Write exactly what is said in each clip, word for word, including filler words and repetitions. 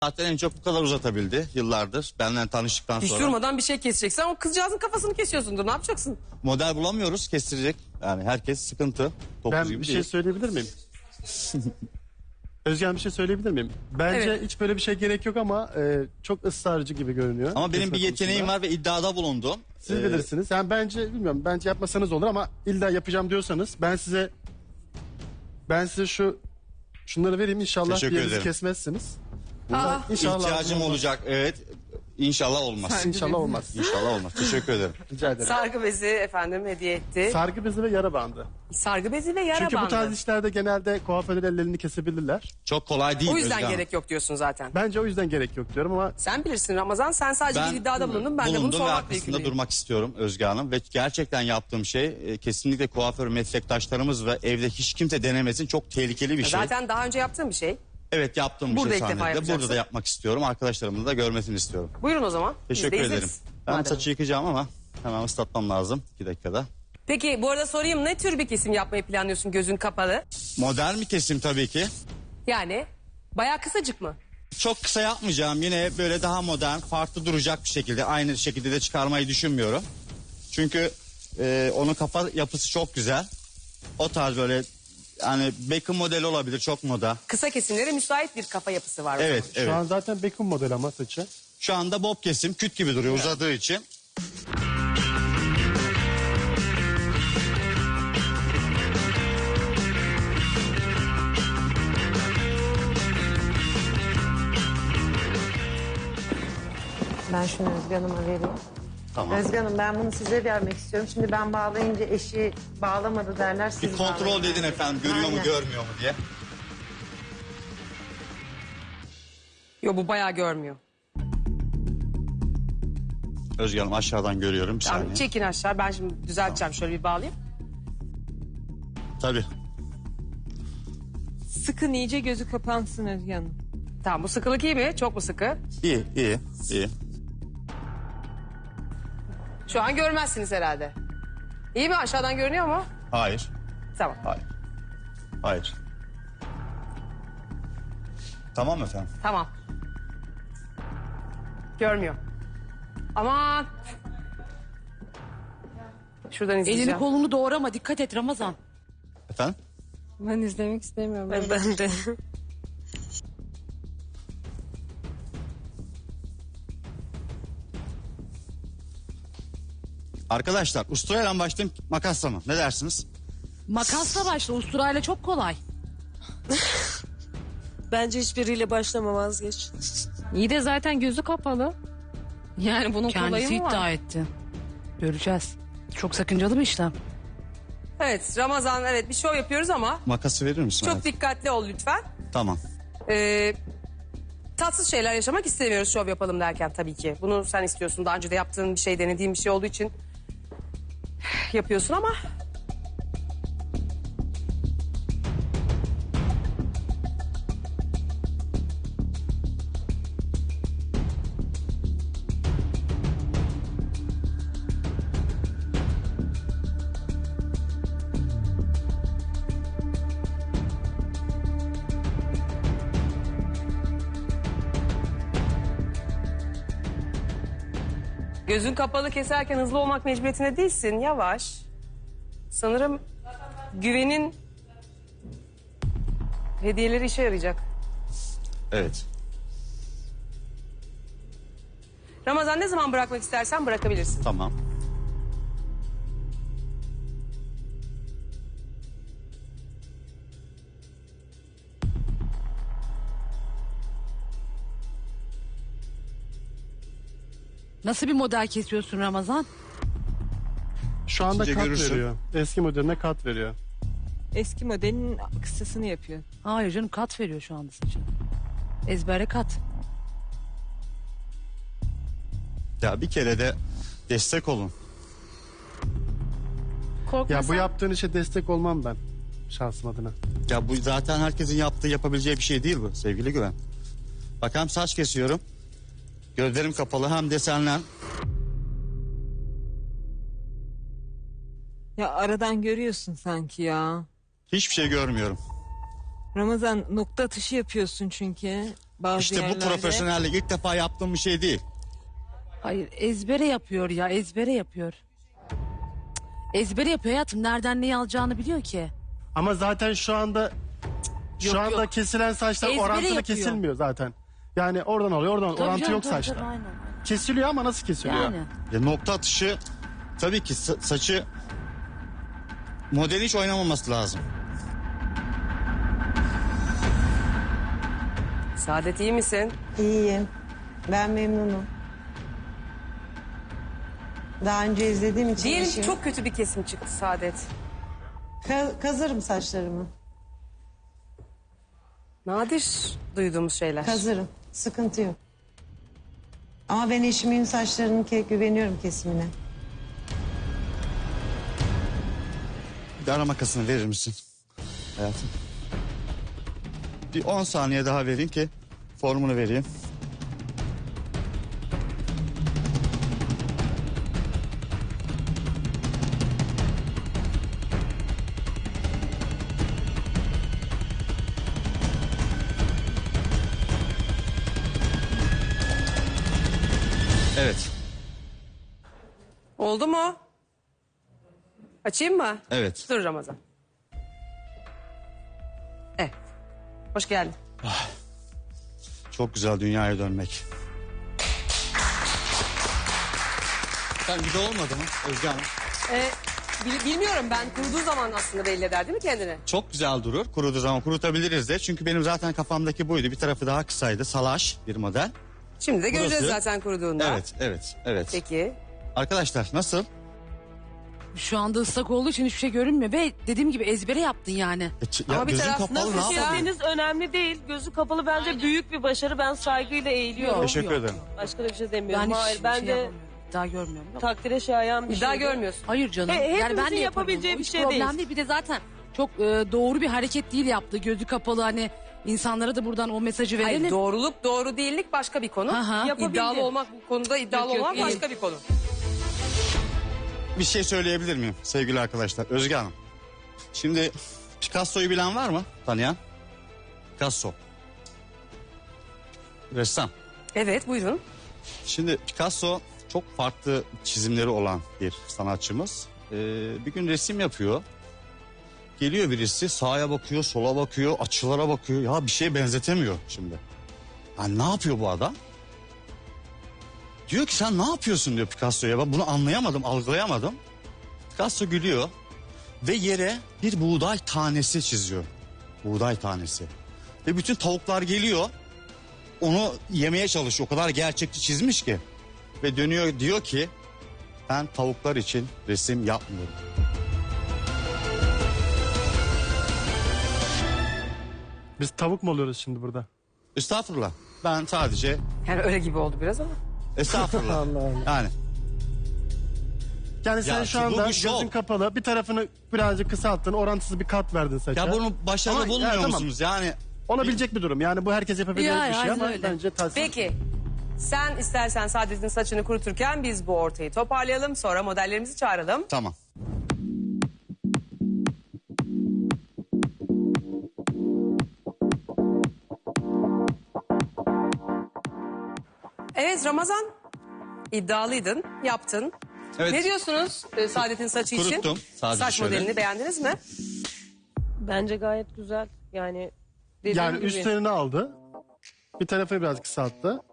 Zaten en çok bu kadar uzatabildi yıllardır. Benden tanıştıktan Hiç sonra. durmadan bir şey keseceksen o kızcağızın kafasını kesiyorsundur. Ne yapacaksın? Model bulamıyoruz, kestirecek. Yani herkes sıkıntı. Topuz Ben gibi bir değil. şey söyleyebilir miyim? Özgen bir şey söyleyebilir miyim? Bence Evet. hiç böyle bir şey gerek yok ama e, çok ısrarcı gibi görünüyor. Ama benim Kesme bir yeteneğim konusunda. var ve iddiada bulundum. Siz Ee, bilirsiniz. Yani bence bilmiyorum. Bence yapmasanız olur ama illa yapacağım diyorsanız ben size ben size şu şunları vereyim inşallah bir Teşekkür yerinizi ederim. kesmezsiniz. Aa, İnşallah İhtiyacım olacak, evet. İnşallah olmaz. İnşallah olmaz. İnşallah olmaz. Teşekkür ederim. Rica ederim. sargı bezi efendim hediye etti. Sargı bezi ve yara bandı. sargı bezi ve yara Çünkü bandı. bu tarz işlerde genelde kuaförler ellerini kesebilirler. Çok kolay değil O yüzden Özge Hanım. gerek yok diyorsun zaten. Bence o yüzden gerek yok diyorum ama Sen bilirsin Ramazan. Sen sadece bir iddiada bulundun. Ben de bunu bulundum ve sormakla arkasında yükümlüyüm. durmak istiyorum Özge Hanım. Ve gerçekten yaptığım şey e, kesinlikle kuaför meslektaşlarımız ve evde hiç kimse denemesin. Çok tehlikeli bir şey. Zaten daha önce yaptığın bir şey. Evet, yaptığım bir Burada şey ilk defa sahnede. yapacaksın. Burada da yapmak istiyorum. Arkadaşlarımın da görmesini istiyorum. Buyurun o zaman. Biz Teşekkür de ederim. izleriz. Ben Madem. saçı yıkayacağım ama hemen ıslatmam lazım. iki dakikada. Peki bu arada sorayım, ne tür bir kesim yapmayı planlıyorsun gözün kapalı? Modern bir kesim tabii ki. Yani bayağı kısacık mı? Çok kısa yapmayacağım. Yine böyle daha modern, farklı duracak bir şekilde. Aynı şekilde de çıkarmayı düşünmüyorum. Çünkü e, onun kafa yapısı çok güzel. O tarz böyle yani Beckham modeli olabilir, çok moda. Kısa kesimlere müsait bir kafa yapısı var. o Evet, zaman. evet. şu an zaten Beckham model ama saçı. Şu anda bob kesim, küt gibi duruyor uzadığı için. Ben şunu Özge Hanım'a vereyim. Tamam. Özge Hanım ben bunu size vermek istiyorum. Şimdi ben bağlayınca eşi bağlamadı derler. Siz Bir kontrol bağlayın. dedin efendim, görüyor mu Aynen. görmüyor mu diye. Yo, bu bayağı görmüyor. Özge Hanım aşağıdan görüyorum bir Tamam, saniye. çekin aşağı. Ben şimdi düzelteceğim. Şöyle bir bağlayayım. Tabii. Sıkın iyice gözü kapansın Özge Hanım. Tamam, bu sıkılık iyi mi? Çok mu sıkı? İyi, iyi, iyi. Şu an görmezsiniz herhalde. İyi mi? Aşağıdan görünüyor mu? Hayır, Tamam. hayır. Hayır. Tamam efendim. Tamam. Görmüyor. Aman. Şuradan izleyeceğim. Elini kolunu doğrama, dikkat et Ramazan. Efendim? Ben izlemek istemiyorum. Ben, ben de. Arkadaşlar usturayla başlayayım, makasla mı? Ne dersiniz? Makasla başla, usturayla çok kolay. Bence hiçbiriyle başlama, vazgeç. İyi de zaten gözü kapalı. Yani bunun Kendisi kolayı mı iddia var? etti. Göreceğiz. Çok sakıncalı bir işlem. Evet Ramazan, evet bir şov yapıyoruz ama Makası verir misin? çok Evet. dikkatli ol lütfen. Tamam. Ee, tatsız şeyler yaşamak istemiyoruz şov yapalım derken tabii ki. Bunu sen istiyorsun. Daha önce de yaptığın bir şey, denediğin bir şey olduğu için yapıyorsun ama... Gözün kapalı keserken hızlı olmak mecburiyetinde değilsin. Yavaş. Sanırım güvenin hediyeleri işe yarayacak. Evet. Ramazan, ne zaman bırakmak istersen bırakabilirsin. Tamam. Nasıl bir model kesiyorsun Ramazan? Şu anda Sizce kat görürsün. veriyor. Eski modeline kat veriyor. Eski modelin kısasını yapıyor. Hayır canım, kat veriyor şu anda saçını. Ezbere kat. Ya bir kere de destek olun. Korkma Ya bu sen. yaptığın işe destek olmam ben şahsım adına. Ya bu zaten herkesin yaptığı, yapabileceği bir şey değil bu sevgili Güven. Bak hem saç kesiyorum. Gözlerim kapalı, hem desenlen. Ya aradan görüyorsun sanki ya. Hiçbir şey görmüyorum. Ramazan, nokta atışı yapıyorsun çünkü. bazı İşte yerlerde. bu profesyonellik ilk defa yaptığım bir şey değil. Hayır ezbere yapıyor ya ezbere yapıyor. Cık, Ezbere yapıyor hayatım. Nereden neyi alacağını biliyor ki. Ama zaten şu anda şu Yok, anda yok. kesilen saçlar Ezbere orantılı yapıyor. kesilmiyor zaten. Yani oradan alıyor oradan Tabii orantı canım, yok tabii, saçta. tabii, aynen, aynen. Kesiliyor ama nasıl kesiliyor? Yani. Ya nokta atışı tabii ki sa- saçı modeli hiç oynamaması lazım. Saadet iyi misin? İyiyim. Ben memnunum. Daha önce izlediğim için Diyelim ki işim- çok kötü bir kesim çıktı Saadet. Ka- kazırım saçlarımı. Nadir duyduğumuz şeyler. Kazırım. Sıkıntı yok. Ama ben eşimin saçlarının ke- güveniyorum kesimine. Bir de ara makasını verir misin hayatım? Bir on saniye daha vereyim ki formunu vereyim. Evet, Oldu mu? Açayım mı? evet. Dur Ramazan. Evet. Hoş geldin. Çok güzel dünyaya dönmek. Sen bir de olmadı mı Özge Hanım? Ee, bil- bilmiyorum ben kurduğu zaman aslında belli eder değil mi kendini? Çok güzel durur. Kuruduğu zaman kurutabiliriz de. Çünkü benim zaten kafamdaki buydu. Bir tarafı daha kısaydı. Salaş bir model. Şimdi de göreceğiz Burası- zaten kuruduğunda. Evet, evet, evet. Peki. Arkadaşlar nasıl? Şu anda ıslak olduğu için hiçbir şey görünmüyor. Ve dediğim gibi ezbere yaptın yani. E, ç- Ama ya bir gözün taraf kapalı nasıl ne Nasıl yapalım? kestiğiniz önemli değil. Gözü kapalı bence büyük bir başarı. Ben saygıyla eğiliyorum. Teşekkür ederim. Başka da bir şey demiyorum. Ben hiç Hayır bir ben şey de yapamıyorum. İddia görmüyorum. Yok. takdire şayan bir İddia şeydi. görmüyorsun. Hayır canım. He- hepimizin yani ben de yaparım. yapabileceği O bir hiç şey problem değil. değil. Bir de zaten çok e, doğru bir hareket değil yaptı. Gözü kapalı hani insanlara da buradan o mesajı verelim. Hayır doğruluk doğru değillik başka bir konu. Aha. Yapabildi. İddialı olmak bu konuda iddialı Yok, yok, olmak iyi. başka bir konu. Bir şey söyleyebilir miyim sevgili arkadaşlar? Özge Hanım. Şimdi Picasso'yu bilen var mı? Tanıyan? Picasso. Ressam. Evet buyurun. Şimdi Picasso çok farklı çizimleri olan bir sanatçımız. Ee, bir gün resim yapıyor. Geliyor birisi sağa bakıyor, sola bakıyor, açılara bakıyor. Ya bir şeye benzetemiyor şimdi. Yani ne yapıyor bu adam? Diyor ki sen ne yapıyorsun diyor Picasso'ya. Ben bunu anlayamadım, algılayamadım. Picasso gülüyor ve yere bir buğday tanesi çiziyor. Buğday tanesi. Ve bütün tavuklar geliyor. Onu yemeye çalışıyor. O kadar gerçekçi çizmiş ki. Ve dönüyor diyor ki ben tavuklar için resim yapmıyorum. Biz tavuk mu oluyoruz şimdi burada? Estağfurullah. Ben sadece Yani öyle gibi oldu biraz ama. estağfurullah. Allah Allah. Yani Yani sen Ya şu bu anda bir şov. gözün kapalı bir tarafını birazcık kısalttın orantısız bir kat verdin saça. ya bunu başarılı Ama- bulmuyor ya, tamam. musunuz? Yani Olabilecek bir durum yani bu herkes yapabilecek Ya, bir şey ya, ama öyle. bence tavsiye. Peki. Sen istersen Saadet'in saçını kuruturken biz bu ortayı toparlayalım. Sonra modellerimizi çağıralım. tamam. Evet Ramazan. İddialıydın, yaptın. Evet. Ne diyorsunuz e, Saadet'in saçı için? Kuruttum, sadece Saç şöyle. modelini beğendiniz mi? Bence gayet güzel. Yani dediğim Yani gibi. üstlerini aldı. Bir tarafı biraz kısalttı.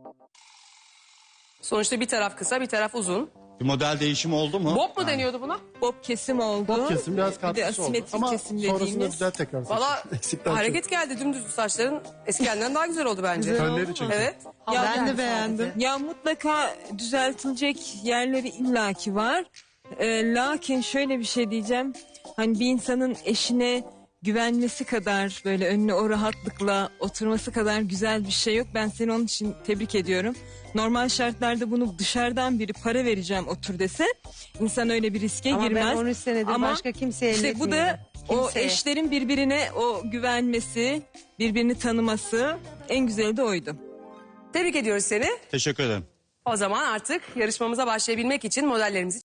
Sonuçta bir taraf kısa, bir taraf uzun. Bir model değişimi oldu mu? Bob mu deniyordu buna? Bob kesim oldu. Bob kesim biraz Bir de katkısı oldu. asimetrik Ama kesim sonrasında dediğimiz. güzel tekrar saçı. Valla Eksikten hareket geldi dümdüz saçların eskiden daha güzel oldu bence. Fönleri çünkü. Evet. Ya Ben de beğendim. Ya mutlaka düzeltilecek yerleri illaki var. Ee, lakin şöyle bir şey diyeceğim. Hani bir insanın eşine güvenmesi kadar böyle önüne o rahatlıkla oturması kadar güzel bir şey yok. Ben seni onun için tebrik ediyorum. Normal şartlarda bunu dışarıdan biri para vereceğim otur dese insan öyle bir riske Ama girmez. ben on üç senedir Ama başka kimseye İşte bu da elletmiyorum. o Kimseye. eşlerin birbirine o güvenmesi, birbirini tanıması en güzeli de oydu. Tebrik ediyoruz seni. Teşekkür ederim. O zaman artık yarışmamıza başlayabilmek için modellerimizi